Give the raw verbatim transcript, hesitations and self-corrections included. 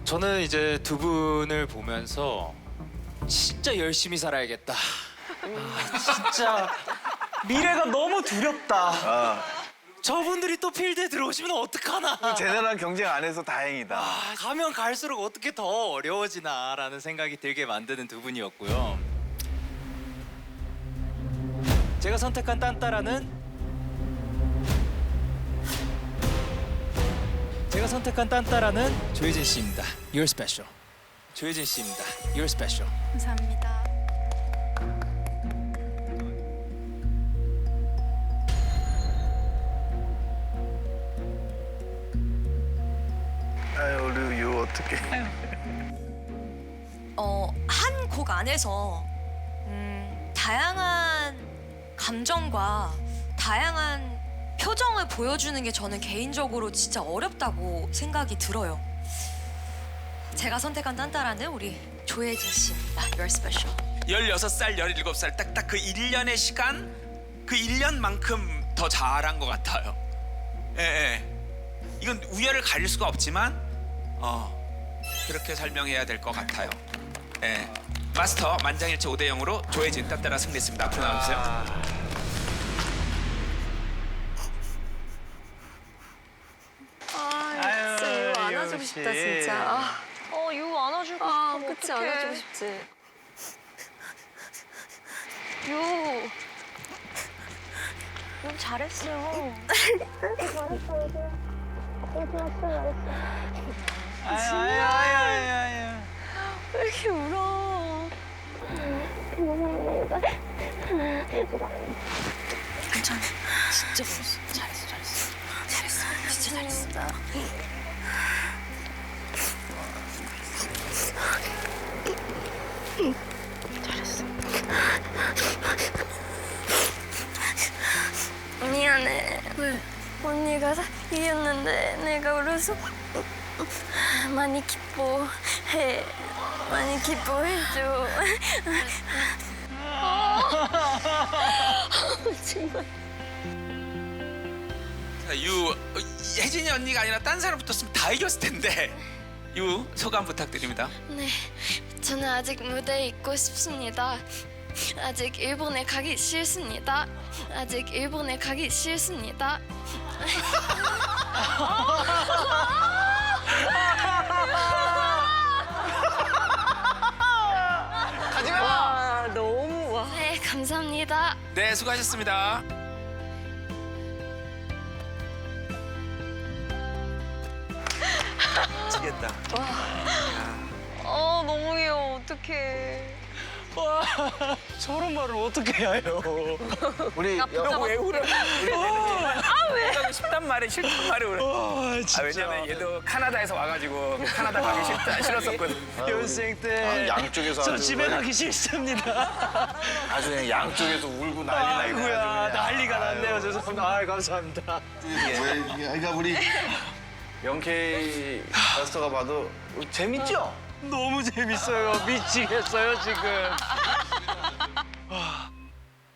저는 이제 두 분을 보면서 진짜 열심히 살아야겠다. 아, 진짜 미래가 너무 두렵다. 아, 저분들이 또 필드에 들어오시면 어떡하나. 제대로한 경쟁 안 해서 다행이다. 아, 가면 갈수록 어떻게 더 어려워지나라는 생각이 들게 만드는 두 분이었고요. 제가 선택한 딴따라는 제가 선택한 딴따라는 조혜진 씨입니다. You're special. 조혜진 씨입니다. You're special. 감사합니다. 아유, 우리 유 어떻게? 어, 한 곡 안에서 음, 다양한 감정과 다양한 표정을 보여주는 게 저는 개인적으로 진짜 어렵다고 생각이 들어요. 제가 선택한 딴따라는 우리 조혜진 씨입니다. You're special. 열여섯 살, 열일곱 살 딱딱 그 일 년의 시간, 그 일 년만큼 더 잘한 것 같아요. 예, 예. 이건 우열을 가릴 수가 없지만 어, 그렇게 설명해야 될 것 같아요. 예. 마스터 만장일치 오 대 영으로 조혜진 딴따라 승리했습니다. 앞으로 나와주세요. 아, 진짜 유 안아주고 싶다 진짜. 아, 어, 유 안아주고 아 싶어. 그치 어떡해. 안아주고 싶지. 유. 유 잘했어요. 아유, 아유, 아유, 아유. 왜 이렇게 울어? 괜찮아. 진짜 잘했어. 잘했어. 잘했어. 잘했어. 진짜 잘했어. 미안해. 왜? 언니가 이겼는데 내가 울어서 많이 기뻐해. 많이 기뻐해줘. 정말. 자, 유, 어, 혜진이 언니가 아니라 딴 사람 붙었으면 다 이겼을 텐데. 유, 소감 부탁드립니다. 네, 저는 아직 무대에 있고 싶습니다. 아직 일본에 가기 싫습니다. 아직 일본에 가기 싫습니다. 가지마! 너무 와. 네, 감사합니다. 네, 수고하셨습니다. 미치겠다. 어, 너무 귀여워. 어떡해. 와, 저런 말을 어떻게 해요? 우리 여, 왜 울어? 아 왜? 가고 싶단 말에 싫단 말에 울어. 와, 진짜. 아, 왜냐면 얘도 카나다에서 와가지고 카나다 가기 싫다 싫었었거든. 연생 때 아, 양쪽에서 저 아주 집에 그냥- 가기 싫습니다. 아주 그냥 양쪽에서 울고 난리 나고. 아이고야, 난리가 났네요. 죄송합니다. 아, 감사합니다. 그러니까 우리 영케이 마스터가 봐도 재밌죠? 너무 재밌어요. 미치겠어요, 지금.